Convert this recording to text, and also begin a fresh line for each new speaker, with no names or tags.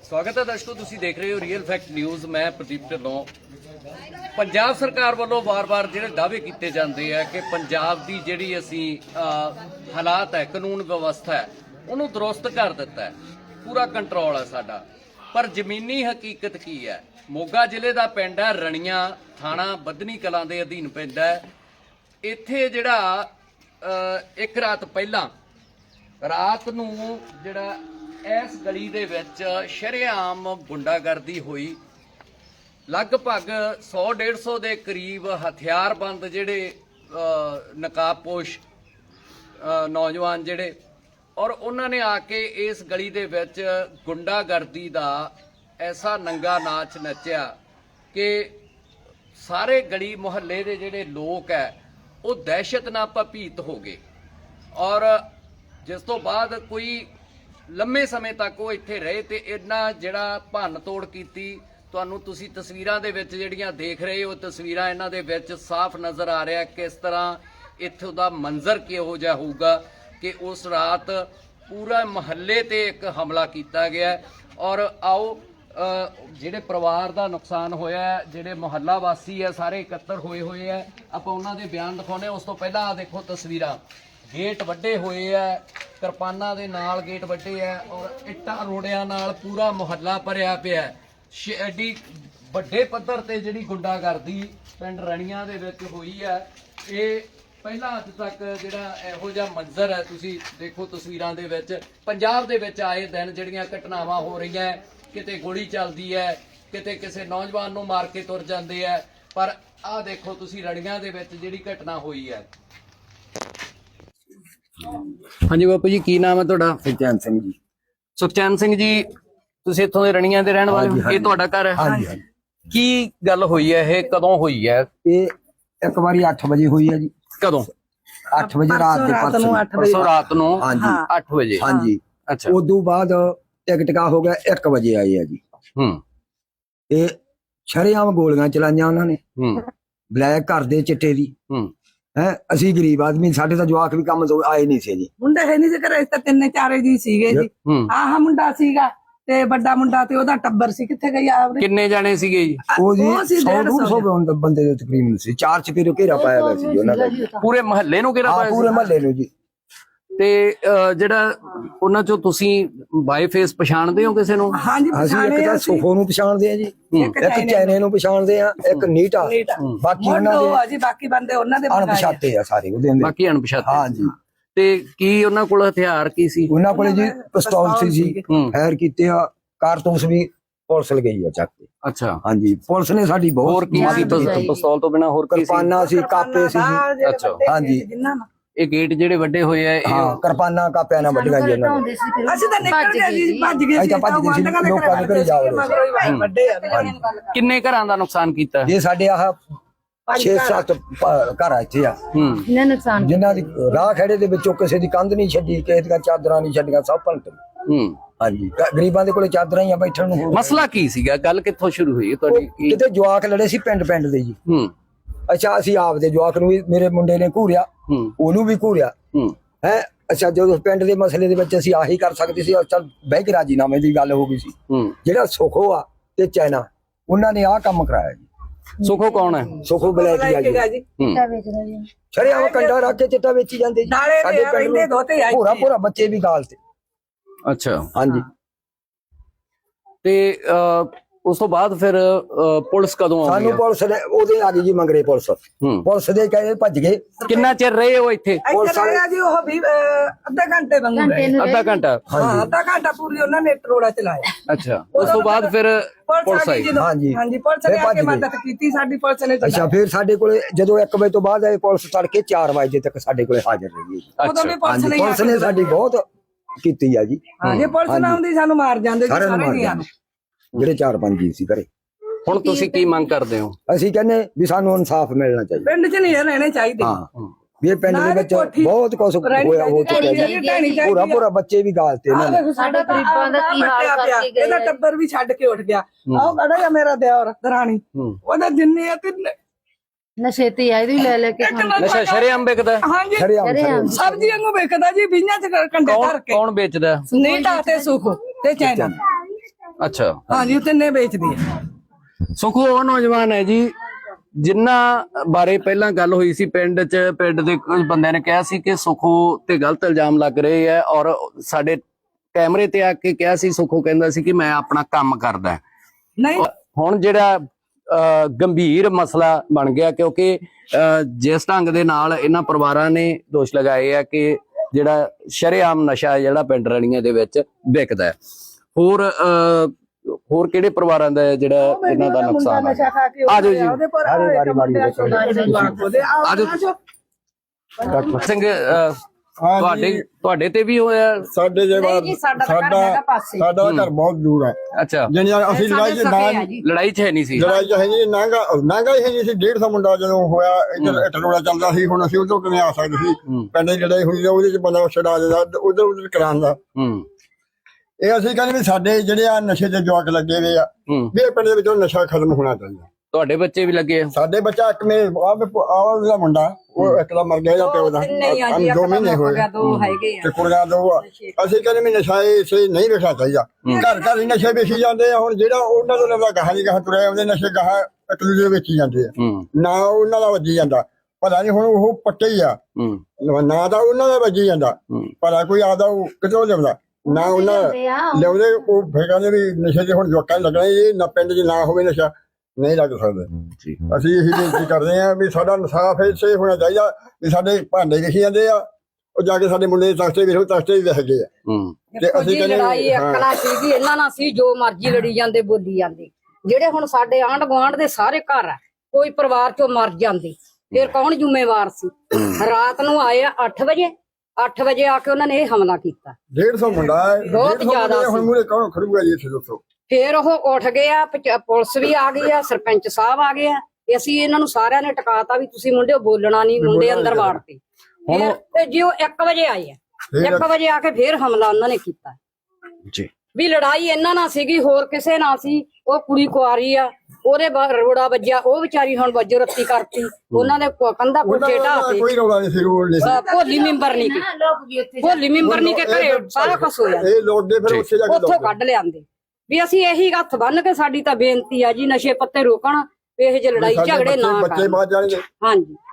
स्वागत है दर्शकों, तुसी देख रहे हो रीयल फैक्ट न्यूज़। मैं प्रदीप ढिल्लों। पंजाब सरकार वालों बार-बार ਜਿਹੜੇ ਦਾਅਵੇ ਕੀਤੇ ਜਾਂਦੇ ਆ ਕਿ ਪੰਜਾਬ ਦੀ ਜਿਹੜੀ ਅਸੀਂ ਹਾਲਾਤ ਹੈ, ਕਾਨੂੰਨ ਵਿਵਸਥਾ ਹੈ, ਉਹਨੂੰ ਦਰੁਸਤ ਕਰ ਦਿੱਤਾ ਹੈ, ਪੂਰਾ ਕੰਟਰੋਲ ਹੈ ਸਾਡਾ। ਪਰ ਜ਼ਮੀਨੀ ਹਕੀਕਤ ਕੀ ਹੈ? ਮੋਗਾ ਜ਼ਿਲ੍ਹੇ ਦਾ ਪਿੰਡ ਹੈ ਰਣੀਆਂ, ਥਾਣਾ ਬੱਧਨੀ ਕਲਾਂ ਦੇ ਅਧੀਨ ਪੈਂਦਾ ਹੈ। ਇੱਥੇ ਜਿਹੜਾ ਇੱਕ ਰਾਤ ਪਹਿਲਾਂ ਰਾਤ ਨੂੰ ਜਿਹੜਾ ਇਸ ਗਲੀ ਦੇ ਵਿੱਚ ਸ਼ਰੇਆਮ ਗੁੰਡਾਗਰਦੀ ਹੋਈ। ਲਗਭਗ 100-150 ਦੇ ਕਰੀਬ ਹਥਿਆਰਬੰਦ ਜਿਹੜੇ ਨਕਾਬਪੋਸ਼ ਨੌਜਵਾਨ ਜਿਹੜੇ ਔਰ ਉਹਨਾਂ ਨੇ ਆ ਕੇ ਇਸ ਗਲੀ ਦੇ ਵਿੱਚ ਗੁੰਡਾਗਰਦੀ ਦਾ ਐਸਾ ਨੰਗਾ ਨਾਚ ਨੱਚਿਆ ਕਿ ਸਾਰੇ ਗਲੀ ਮੁਹੱਲੇ ਦੇ ਜਿਹੜੇ ਲੋਕ ਹੈ ਉਹ ਦਹਿਸ਼ਤ ਨਾਲ ਭੀਤ ਹੋ ਗਏ। ਔਰ ਜਿਸ ਤੋਂ ਬਾਅਦ ਕੋਈ ਲੰਮੇ ਸਮੇਂ ਤੱਕ ਉਹ ਇੱਥੇ ਰਹੇ ਤੇ ਇਹਨਾਂ ਜਿਹੜਾ ਭੰਨ ਤੋੜ ਕੀਤੀ। ਤੁਹਾਨੂੰ ਤੁਸੀਂ ਤਸਵੀਰਾਂ ਦੇ ਵਿੱਚ ਜਿਹੜੀਆਂ ਦੇਖ ਰਹੇ ਹੋ, ਤਸਵੀਰਾਂ ਇਹਨਾਂ ਦੇ ਵਿੱਚ ਸਾਫ਼ ਨਜ਼ਰ ਆ ਰਿਹਾ ਕਿਸ ਤਰ੍ਹਾਂ ਇੱਥੋਂ ਦਾ ਮੰਜ਼ਰ ਕਿਹੋ ਜਿਹਾ ਹੋਊਗਾ ਕਿ ਉਸ ਰਾਤ ਪੂਰਾ ਮੁਹੱਲੇ ਤੇ ਇੱਕ ਹਮਲਾ ਕੀਤਾ ਗਿਆ। ਔਰ ਆਓ ਜਿਹੜੇ ਪਰਿਵਾਰ ਦਾ ਨੁਕਸਾਨ ਹੋਇਆ, ਜਿਹੜੇ ਮੁਹੱਲਾ ਵਾਸੀ ਹੈ ਸਾਰੇ ਇਕੱਤਰ ਹੋਏ ਹੈ, ਆਪਾਂ ਉਹਨਾਂ ਦੇ ਬਿਆਨ ਦਿਖਾਉਂਦੇ। ਉਸ ਤੋਂ ਪਹਿਲਾਂ ਆ ਦੇਖੋ ਤਸਵੀਰਾਂ, ਗੇਟ ਵੱਡੇ ਹੋਏ ਹੈ, ਕਿਰਪਾਨਾਂ ਦੇ ਨਾਲ ਗੇਟ ਵੱਡੇ ਹੈ ਔਰ ਇੱਟਾਂ ਰੋੜਿਆਂ ਨਾਲ ਪੂਰਾ ਮੁਹੱਲਾ ਭਰਿਆ ਪਿਆ। ਐਡੀ ਵੱਡੇ ਪੱਧਰ ਤੇ ਜਿਹੜੀ ਗੁੰਡਾਗਰਦੀ ਪਿੰਡ ਰਣੀਆਂ ਦੇ ਵਿੱਚ ਹੋਈ ਹੈ, ਇਹ ਪਹਿਲਾਂ ਅੱਜ ਤੱਕ ਜਿਹੜਾ ਇਹੋ ਜਿਹਾ ਮੰਜ਼ਰ ਹੈ ਤੁਸੀਂ ਦੇਖੋ ਤਸਵੀਰਾਂ ਦੇ ਵਿੱਚ। ਪੰਜਾਬ ਦੇ ਵਿੱਚ ਆਏ ਦਿਨ ਜਿਹੜੀਆਂ ਘਟਨਾਵਾਂ ਹੋ ਰਹੀਆਂ, ਕਿਤੇ ਗੋਲੀ ਚੱਲਦੀ ਹੈ, ਕਿਤੇ ਕਿਸੇ ਨੌਜਵਾਨ ਨੂੰ ਮਾਰ ਕੇ ਤੁਰ ਜਾਂਦੇ ਹੈ, ਪਰ ਆਹ ਦੇਖੋ ਤੁਸੀਂ ਰਣੀਆਂ ਦੇ ਵਿੱਚ ਜਿਹੜੀ ਘਟਨਾ ਹੋਈ ਹੈ। ਹਾਂਜੀ ਬਾਪੂ ਜੀ, ਕੀ ਨਾਮ ਹੈ ਤੁਹਾਡਾ?
ਸੁਖਚੈਨ ਸਿੰਘ ਜੀ।
ਸੁਖਚੈਨ ਸਿੰਘ ਜੀ, ਤੁਸੀਂ ਇੱਥੋਂ ਦੇ ਰਣੀਆਂ ਦੇ ਰਹਿਣ ਵਾਲੇ ਹੋ? ਇਹ ਤੁਹਾਡਾ ਘਰ ਹੈ?
ਹਾਂਜੀ।
ਕੀ ਗੱਲ ਹੋਈ ਹੈ? ਇਹ ਕਦੋਂ ਹੋਈ ਹੈ?
ਇਹ ਇੱਕ ਵਾਰੀ 8 ਵਜੇ ਹੋਈ ਹੈ ਜੀ।
ਕਦੋਂ?
8 ਵਜੇ ਰਾਤ ਦੇ
ਪਰਸੋਂ ਰਾਤ ਨੂੰ?
ਹਾਂਜੀ
8 ਵਜੇ।
ਹਾਂਜੀ।
ਅੱਛਾ।
ਉਦੋਂ ਬਾਅਦ ਟਿਕਟਕਾ ਹੋ ਗਿਆ 1 ਵਜੇ ਆਏ ਆ ਜੀ। ਇਹ ਸ਼ਰੇਆਮ ਗੋਲੀਆਂ ਚਲਾਈਆਂ ਉਹਨਾਂ ਨੇ, ਬਲੈਕ ਘਰ ਦੇ ਚਿੱਟੇ ਦੀ। ਹੈ ਅਸੀਂ ਗਰੀਬ ਆਦਮੀ, ਸਾਡੇ ਤਾਂ ਜਵਾਕ ਵੀ ਕੰਮ ਤੋਂ ਆਏ ਨਹੀਂ ਸੀ ਜੀ।
ਮੁੰਡਾ ਹੈ ਨਹੀਂ ਸੀ ਘਰੇ, ਤਾਂ 3-4 ਜੀ ਸੀਗੇ ਜੀ। ਆਹ ਮੁੰਡਾ ਸੀਗਾ ਤੇ ਵੱਡਾ ਮੁੰਡਾ ਤੇ ਉਹਦਾ ਟੱਬਰ ਸੀ। ਕਿੱਥੇ ਗਈ ਆਵਰੇ?
ਕਿੰਨੇ ਜਾਣੇ ਸੀਗੇ ਜੀ?
ਉਹ ਜੀ 100-150 ਬੰਦੇ ਦੇ ਤਕਰੀਬਨ ਸੀ। 4 ਚਪੇਰੇ ਘੇਰਾ ਪਾਇਆ ਹੋਇਆ ਸੀ ਉਹਨਾਂ ਦਾ।
ਪੂਰੇ ਮਹੱਲੇ ਨੂੰ ਘੇਰਾ ਪਾਇਆ?
ਪੂਰੇ ਮਹੱਲੇ ਨੂੰ ਜੀ।
ਤੇ ਜਿਹੜਾ ਉਹਨਾਂ ਚੋਂ ਤੁਸੀਂ ਬਾਈ ਫੇਸ ਪਛਾਣਦੇ ਹੋ ਕਿਸੇ ਨੂੰ?
ਹਾਂਜੀ,
ਅਸੀਂ ਇੱਕ ਤਾਂ ਸੁਖੋ ਨੂੰ ਪਛਾਣਦੇ ਆ ਜੀ, ਇੱਕ ਚੈਨੇ ਨੂੰ ਪਛਾਣਦੇ ਆ, ਇੱਕ ਨੀਟਾ। ਬਾਕੀ ਉਹਨਾਂ ਦੇ
ਬਾਕੀ ਬੰਦੇ ਉਹਨਾਂ ਦੇ
ਅਣਪਛਾਤੇ ਆ ਸਾਰੇ ਉਹਦੇ ਅੰਦਰ।
ਬਾਕੀ ਅਣਪਛਾਤੇ?
ਹਾਂਜੀ।
ਤੇ ਕੀ ਉਹਨਾਂ ਕੋਲ ਹਥਿਆਰ ਕੀ ਸੀ?
ਉਹਨਾਂ ਕੋਲੇ ਜੀ ਪਿਸਤੌਲ ਸੀ ਜੀ, ਫਾਇਰ ਕੀਤੇ ਆ, ਕਾਰਤੂਸ ਵੀ ਪੁਲਿਸ ਲ ਗਈ ਆ ਚੱਕ ਕੇ।
ਅੱਛਾ।
ਹਾਂਜੀ, ਪੁਲਿਸ ਨੇ ਸਾਡੀ ਬਹੁਤ।
ਹੋਰ ਕੀ ਸੀ? ਪਿਸਤੌਲ ਤੋਂ ਬਿਨਾ ਹੋਰ ਕੀ ਸੀ?
ਕਿਰਪਾਨਾਂ ਸੀ, ਕਾਪੇ ਸੀ ਜੀ।
ਅੱਛਾ।
ਹਾਂਜੀ।
ਇਹ ਗੇਟ ਜਿਹੜੇ ਵੱਡੇ ਹੋਏ ਆ,
ਹਾਂ ਕਿਰਪਾਨਾਂ ਕਾਪਿਆਂ ਨਾਲ ਵੱਡੀਆਂ ਜੀ ਉਹਨਾਂ ਨੇ।
ਅਸੀਂ ਤਾਂ ਨਿਕਲ ਗਏ ਜੀ, ਭੱਜ ਗਏ ਸੀ।
ਭੱਜ ਗਏ ਸੀ, ਲੋਕਾਂ ਦੇ ਘਰੇ ਜਾ ਵੜੇ।
ਵੱਡੇ ਆ।
ਕਿੰਨੇ ਘਰਾਂ ਦਾ ਨੁਕਸਾਨ ਕੀਤਾ?
ਇਹ ਸਾਡੇ ਆਹ 6-7 ਘਰ ਆ ਇੱਥੇ ਆ
ਨੁਕਸਾਨ
ਜਿਨ੍ਹਾਂ ਦੀ ਰਾਹ ਖੜੇ ਦੇ ਵਿੱਚੋਂ ਕਿਸੇ ਦੀ ਕੰਧ ਨਹੀਂ ਛੱਡੀ, ਕਿਸੇ ਦੀਆਂ ਚਾਦਰਾਂ ਨਹੀਂ ਛੱਡੀਆਂ, ਸਭ ਭੰਨਤ। ਹਾਂਜੀ, ਗਰੀਬਾਂ ਦੇ ਕੋਲੇ ਚਾਦਰਾਂ ਹੀ ਆ ਬੈਠਣ ਨੂੰ।
ਮਸਲਾ ਕੀ ਸੀਗਾ? ਗੱਲ ਕਿੱਥੋਂ ਸ਼ੁਰੂ ਹੋਈ ਤੁਹਾਡੀ?
ਕਿਤੇ ਜਵਾਕ ਲੜੇ ਸੀ ਪਿੰਡ ਦੇ ਜੀ। ਅੱਛਾ, ਅਸੀਂ ਆਪਦੇ ਜਵਾਕ ਨੂੰ ਵੀ, ਮੇਰੇ ਮੁੰਡੇ ਨੇ ਘੂਰਿਆ, ਉਹਨੂੰ ਵੀ ਘੂਰਿਆ ਹੈ। ਅੱਛਾ, ਜਦੋਂ ਪਿੰਡ ਦੇ ਮਸਲੇ ਦੇ ਵਿੱਚ ਅਸੀਂ ਆਹੀ ਕਰ ਸਕਦੇ ਸੀ। ਚੱਲ ਬਹਿ ਕੇ ਰਾਜੀਨਾਮੇ ਦੀ ਗੱਲ ਹੋ ਗਈ ਸੀ। ਜਿਹੜਾ ਸੁਖੋ ਆ ਤੇ ਚੈਨਾ, ਉਹਨਾਂ ਨੇ ਆਹ ਕੰਮ ਕਰਾਇਆ ਜੀ।
ਸੁਖੋ ਕੌਣ ਹੈ?
ਸੁਖੋ ਬਲੈਕੀ ਆ ਜੀ। ਸ਼ਰੇਆਮ ਕੰਡਾ ਰੱਖ ਕੇ ਚਿੱਟਾ ਵੇਚੀ ਜਾਂਦੇ ਜੀ ਸਾਡੇ ਪਿੰਡ ਨੂੰ। ਪੂਰਾ ਬੱਚੇ ਵੀ ਗਾਲ ਤੇ।
ਅੱਛਾ।
ਹਾਂਜੀ।
ਤੇ ਉਸ ਤੋਂ ਬਾਅਦ ਫਿਰ ਪੁਲਿਸ ਕਦੋਂ ਆਈ?
ਸਾਨੂੰ ਪੁਲਿਸ ਨੇ ਉਹਦੇ ਆ ਗਈ ਜੀ, ਮੰਗਰੇ ਪੁਲਿਸ। ਪੁਲਿਸ ਦੇ ਕਹੇ ਭੱਜ ਗਏ।
ਕਿੰਨਾ ਚਿਰ ਰਹੇ ਹੋ ਇੱਥੇ?
ਪੁਲਿਸ ਵਾਲੇ ਜੀ ਉਹ ਵੀ ਅੱਧਾ ਘੰਟੇ ਵਾਂਗੂ ਰਹੇ।
ਅੱਧਾ ਘੰਟਾ?
ਹਾਂ, ਅੱਧਾ ਘੰਟਾ ਪੂਰੀ ਉਹਨਾਂ ਨੇ ਟਰੋੜਾ ਚਲਾਇਆ।
ਅੱਛਾ। ਉਸ ਤੋਂ ਬਾਅਦ ਫਿਰ ਪੁਲਿਸ ਆਈ?
ਹਾਂਜੀ, ਪੁਲਿਸ ਨੇ ਆ ਕੇ ਮਦਦ ਕੀਤੀ ਸਾਡੀ, ਪੁਲਿਸ ਨੇ।
ਅੱਛਾ, ਫਿਰ ਸਾਡੇ ਕੋਲੇ ਜਦੋਂ 1 ਵਜੇ ਤੋਂ ਬਾਅਦ ਆਏ ਪੁਲਿਸ, ਤੜਕੇ 4 ਵਜੇ ਤੱਕ ਸਾਡੇ ਕੋਲੇ ਹਾਜ਼ਰ ਰਹੀ।
ਉਦੋਂ ਵੀ
ਪੁਲਿਸ ਨੇ ਸਾਡੀ ਬਹੁਤ ਕੀਤੀ ਆ ਜੀ।
ਜੇ ਪੁਲਿਸ ਨਾ ਹੁੰਦੀ ਸਾਨੂੰ ਮਾਰ ਜਾਂਦੇ ਸਾਰੇ ਜੀਆਂ ਨੂੰ, ਜਿਹੜੇ 4-5 ਜੀ ਸੀ ਘਰੇ।
ਹੁਣ ਤੁਸੀਂ ਕੀ ਮੰਗ ਕਰਦੇ ਹੋ?
ਅਸੀਂ ਕਹਿੰਦੇ ਵੀ ਸਾਨੂੰ ਇਨਸਾਫ ਮਿਲਣਾ ਚਾਹੀਦਾ।
ਪਿੰਡ 'ਚ ਨਹੀਂ ਰਹਿਣੇ ਚਾਹੀਦੇ।
ਹਾਂ, ਵੀ ਇਹ ਪਿੰਡ ਦੇ ਵਿੱਚ ਬਹੁਤ ਕੁਝ ਹੋਇਆ, ਹੋ ਚੁੱਕਿਆ ਜੀ। ਪੂਰਾ ਬੱਚੇ ਵੀ ਗਾਲਤੇ ਇਹਨਾਂ ਨੇ।
ਸਾਡਾ ਗਰੀਬਾਂ ਦਾ ਕੀ ਹਾਲ ਕਰਕੇ ਗਏ। ਇਹਦਾ ਟੱਬਰ ਵੀ ਛੱਡ ਕੇ ਉੱਠ ਗਿਆ। ਆਹ ਖੜਾ ਆ ਮੇਰਾ ਦਿਓਰ ਦਰਾਣੀ, ਉਹਦਾ ਜਿੰਨੇ ਆ ਤਿੰਨੇ
ਨਸ਼ੇ ਤੇ ਆ, ਇਹਦੀ ਲੈ ਕੇ
ਨਸ਼ਾ ਸ਼ਰੇਆਮ ਵਿਕਦਾ?
ਹਾਂਜੀ, ਸਬਜ਼ੀ ਵਾਂਗੂ ਵਿਕਦਾ ਜੀ, ਬੀਆਂ 'ਚ ਕੰਡੇ ਧਰ ਕੇ।
ਕੌਣ ਵੇਚਦਾ?
ਨੀਟਾ ਤੇ ਸੁਖ ਤੇ ਚੈਨਾ।
ਅੱਛਾ
ਹਾਂਜੀ ਉਹ ਤਿੰਨੇ ਵੇਚਦੀ ਹੈ।
ਸੁਖੋ ਉਹ ਨੌਜਵਾਨ ਹੈ ਜੀ ਜਿਨ੍ਹਾਂ ਬਾਰੇ ਪਹਿਲਾਂ ਗੱਲ ਹੋਈ ਸੀ ਪਿੰਡ ਦੇ ਕੁਝ ਬੰਦਿਆਂ ਨੇ ਕਿਹਾ ਸੀ ਕਿ ਸੁਖੋ ਤੇ ਗਲਤ ਇਲਜ਼ਾਮ ਲੱਗ ਰਹੇ ਹੈ ਔਰ ਸਾਡੇ ਕੈਮਰੇ ਤੇ ਆ ਕੇ ਕਿਹਾ ਸੀ ਸੁਖੋ ਕਹਿੰਦਾ ਸੀ ਕਿ ਮੈਂ ਆਪਣਾ ਕੰਮ ਕਰਦਾ।
ਨਹੀਂ
ਹੁਣ ਜਿਹੜਾ ਗੰਭੀਰ ਮਸਲਾ ਬਣ ਗਿਆ ਕਿਉਂਕਿ ਜਿਸ ਢੰਗ ਦੇ ਨਾਲ ਇਹਨਾਂ ਪਰਿਵਾਰਾਂ ਨੇ ਦੋਸ਼ ਲਗਾਏ ਆ ਕਿ ਜਿਹੜਾ ਸ਼ਰੇਆਮ ਨਸ਼ਾ ਜਿਹੜਾ ਪਿੰਡ ਰਣੀਆਂ ਦੇ ਵਿੱਚ ਵਿਕਦਾ ਹੈ। ਹੋਰ ਕਿਹੜੇ ਪਰਿਵਾਰਾਂ ਦਾ ਜਿਹੜਾ ਇਹਨਾਂ ਦਾ ਨੁਕਸਾਨ ਹੈ? ਆਜੋ ਜੀ ਡਾਕਟਰ ਸਿੰਘ ਤੁਹਾਡੇ ਤੇ ਵੀ ਹੋਇਆ?
ਸਾਡੇ ਜੇ ਸਾਡਾ ਘਰ ਬਹੁਤ ਦੂਰ ਹੈ।
ਅੱਛਾ
ਜਿਹਨੇ ਅਸੀਂ
ਲੜਾਈ ਚ ਹੈ ਨਹੀਂ ਸੀ?
ਲੜਾਈ ਚ ਹੈ ਨਹੀਂ, ਨਾਂਗਾ ਹੀ ਨਹੀਂ ਸੀ। 150 ਮੁੰਡਾ ਜਦੋਂ ਹੋਇਆ ਇੱਧਰ ਟਰੋੜਾ ਚੱਲਦਾ ਸੀ, ਹੁਣ ਅਸੀਂ ਉਧਰੋਂ ਕਿਵੇਂ ਆ ਸਕਦੇ ਸੀ? ਪਿੰਡ ਦੀ ਲੜਾਈ ਹੋਈ ਉਹਦੇ ਚ ਬੰਦਾ ਛਡਾ ਦਿੰਦਾ ਉਧਰ ਕਰਾਉਣ ਦਾ। ਇਹ ਅਸੀਂ ਕਹਿੰਦੇ ਵੀ ਸਾਡੇ ਜਿਹੜੇ ਆ ਨਸ਼ੇ ਦੇ ਜਵਾਕ ਲੱਗੇ ਹੋਏ ਆ ਵੀ ਇਹ ਪਿੰਡ ਦੇ ਵਿੱਚੋਂ ਨਸ਼ਾ ਖਤਮ ਹੋਣਾ ਚਾਹੀਦਾ।
ਤੁਹਾਡੇ ਬੱਚੇ ਵੀ ਲੱਗੇ?
ਸਾਡੇ ਬੱਚਾ ਇੱਕ ਮੇਰੇ ਦਾ ਮੁੰਡਾ ਉਹ ਇੱਕ ਦਾ ਮਰ ਗਿਆ ਜਾਂ ਪਿਓ ਦਾ 2 ਮਹੀਨੇ ਹੋਏ ਤੇ ਕੁੜੀਆਂ 2 ਆ। ਅਸੀਂ ਕਹਿੰਦੇ ਵੀ ਨਸ਼ਾ ਇਹ ਨਹੀਂ ਵੇਖਣਾ ਚਾਹੀਦਾ। ਘਰ ਘਰ ਹੀ ਨਸ਼ੇ ਵੇਚੀ ਜਾਂਦੇ ਆ। ਹੁਣ ਜਿਹੜਾ ਉਹਨਾਂ ਤੋਂ ਲੱਗਾ ਗਾਹਾਂ ਦੀ ਗਾਹਾਂ ਤੁਰਿਆ ਉਹਦੇ ਨਸ਼ੇ ਗਾਹਾਂ ਇੱਕ ਦੂਜੇ ਵੇਚੀ ਜਾਂਦੇ ਆ, ਨਾ ਉਹਨਾਂ ਦਾ ਵੱਜੀ ਜਾਂਦਾ। ਪਤਾ ਨਹੀਂ ਹੁਣ ਉਹ ਪੱਕੇ ਹੀ ਆ, ਨਾ ਤਾਂ ਉਹਨਾਂ ਦਾ ਵੱਜੀ ਜਾਂਦਾ, ਪਰ ਕੋਈ ਆਦਾ ਉਹ ਕਿਤੋਂ ਲਿਆਉਂਦਾ ਨਾ ਉਹਨਾਂ ਲਿਆਉਂਦੇ। ਉਹ ਫਿਰ ਕਹਿੰਦੇ ਵੀ ਨਸ਼ੇ ਦੇ ਹੁਣ ਜਵਾਕਾਂ ਲੱਗਣਾ ਇਹ ਨਾ ਪਿੰਡ 'ਚ ਨਾ ਹੋਵੇ ਨਸ਼ਾ ਨਹੀਂ ਲੱਗ ਸਕਦਾ। ਅਸੀਂ ਇਹੀ ਬੇਨਤੀ ਕਰਦੇ ਹਾਂ ਵੀ ਸਾਡਾ ਇਨਸਾਫ ਇੱਥੇ ਹੋਣਾ ਚਾਹੀਦਾ ਵੀ ਸਾਡੇ ਭਾਂਡੇ ਲਿਖੀ ਜਾਂਦੇ ਆ, ਉਹ ਜਾ ਕੇ ਸਾਡੇ ਮੁੰਡੇ ਤਖਤੇ ਵੇਖੋ, ਤਖਤੇ ਵੀ ਵਹਿ ਗਏ ਆ।
ਤੇ ਅਸੀਂ ਲੜਾਈ ਅਕਲਾ ਸੀਗੀ ਇਹਨਾਂ ਨਾਲ ਸੀ, ਜੋ ਮਰਜ਼ੀ ਲੜੀ ਜਾਂਦੇ ਬੋਲੀ ਜਾਂਦੇ। ਜਿਹੜੇ ਹੁਣ ਸਾਡੇ ਆਂਢ ਗੁਆਂਢ ਦੇ ਸਾਰੇ ਘਰ ਆ, ਕੋਈ ਪਰਿਵਾਰ ਚੋਂ ਮਰ ਜਾਂਦੇ ਫਿਰ ਕੌਣ ਜ਼ਿੰਮੇਵਾਰ ਸੀ? ਰਾਤ ਨੂੰ ਆਏ 8 ਵਜੇ ਆ ਕੇ ਉਹਨਾਂ ਨੇ ਇਹ ਹਮਲਾ ਕੀਤਾ।
150 ਮੁੰਡਾ
ਬਹੁਤ ਜ਼ਿਆਦਾ
ਹੁਣ ਮੂਰੇ ਕੌਣ ਖੜੂਗਾ ਜੀ ਇੱਥੇ ਦੱਸੋ?
ਫਿਰ ਉਹ ਉੱਠ ਗਏ ਆ, ਪੁਲਿਸ ਵੀ ਆ ਗਈ ਆ, ਸਰਪੰਚ ਸਾਹਿਬ ਆ ਗਏ ਆ। ਅਸੀਂ ਇਹਨਾਂ ਨੂੰ ਸਾਰਿਆਂ ਨੇ ਟਿਕਾਤਾ ਵੀ ਤੁਸੀਂ ਮੁੰਡੇ ਬੋਲਣਾ ਨਹੀਂ। ਮੁੰਡੇ ਅੰਦਰ ਵਾੜਤੇ। ਤੇ ਜੀ ਉਹ 1 ਵਜੇ ਆਏ ਆ, 1 ਵਜੇ ਆ ਕੇ ਫਿਰ ਹਮਲਾ ਉਹਨਾਂ ਨੇ ਕੀਤਾ
ਜੀ।
ਵੀ ਲੜਾਈ ਇਹਨਾਂ ਨਾਲ ਸੀਗੀ, ਹੋਰ ਕਿਸੇ ਨਾਲ ਸੀ। ਉਹ ਕੁੜੀ ਕੁਆਰੀ ਆ, ਉਹਦੇ ਰੋੜਾ ਵੱਜਿਆ, ਉਹ ਵਿਚਾਰੀ ਹੁਣ ਵੱਜੋ ਰੱਤੀ ਕਰਤੀ। ਉਹਨਾਂ ਦੇ ਕੰਧਾ ਕੋਠੇ ਢਾਤੇ।
ਕੋਈ ਰੌਲਾ ਨਹੀਂ ਸੀ, ਰੋਲ ਨਹੀਂ ਸੀ।
ਭੋਲੀ ਮੈਂਬਰ ਨਹੀਂ ਕੇ ਘਰੇ ਸਾਰਾ ਕੁਛ ਹੋਇਆ।
ਇਹ ਲੋਕ ਦੇ ਫਿਰ ਉੱਥੇ ਜਾ ਕੇ
ਉੱਥੋਂ ਕੱਢ ਲਿਆਂਦੇ। ਵੀ ਅਸੀਂ ਇਹੀ ਹੱਥ ਬੰਨ ਕੇ ਸਾਡੀ ਤਾਂ ਬੇਨਤੀ ਆ ਜੀ, ਨਸ਼ੇ ਪੱਤੇ ਰੋਕਣ, ਇਹ ਜਿਹੇ ਲੜਾਈ ਝਗੜੇ ਨਾ
ਬੱਚੇ ਬਾਹਰ ਜਾਣਗੇ।
ਹਾਂਜੀ।